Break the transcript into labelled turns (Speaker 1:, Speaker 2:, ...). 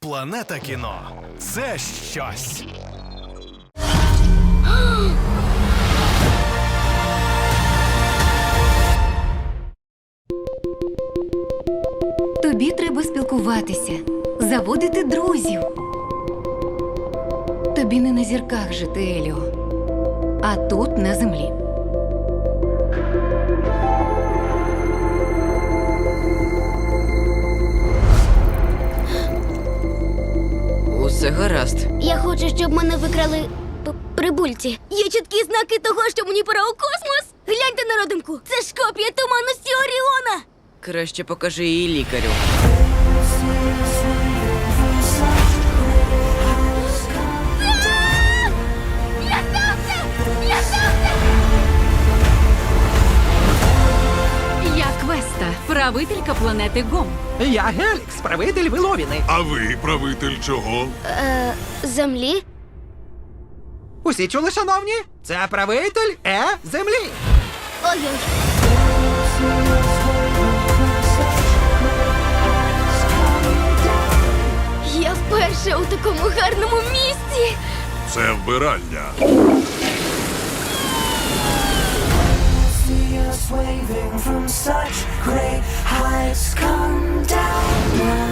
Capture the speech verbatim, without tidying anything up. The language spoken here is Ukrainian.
Speaker 1: Планета кіно – це щось.
Speaker 2: Тобі треба спілкуватися, заводити друзів. Тобі не на зірках жити, Еліо, а тут, на землі.
Speaker 3: Усе гаразд.
Speaker 4: Я хочу, щоб мене викрали п- прибульці. Є чіткі знаки того, що мені пора у космос. Гляньте на родинку. Це ж копія туманності Оріона.
Speaker 3: Краще покажи її лікарю.
Speaker 2: Я Квеста, правителька планети Гом.
Speaker 5: Я Гелікс, правитель Виловіни.
Speaker 6: А ви правитель чого?
Speaker 4: Е, землі?
Speaker 5: Усі чули, шановні? Це правитель Е землі.
Speaker 4: Ой-ой. Я вперше у такому гарному місці.
Speaker 6: Це вбиральня.
Speaker 7: See us waving from such great heights. Come down now.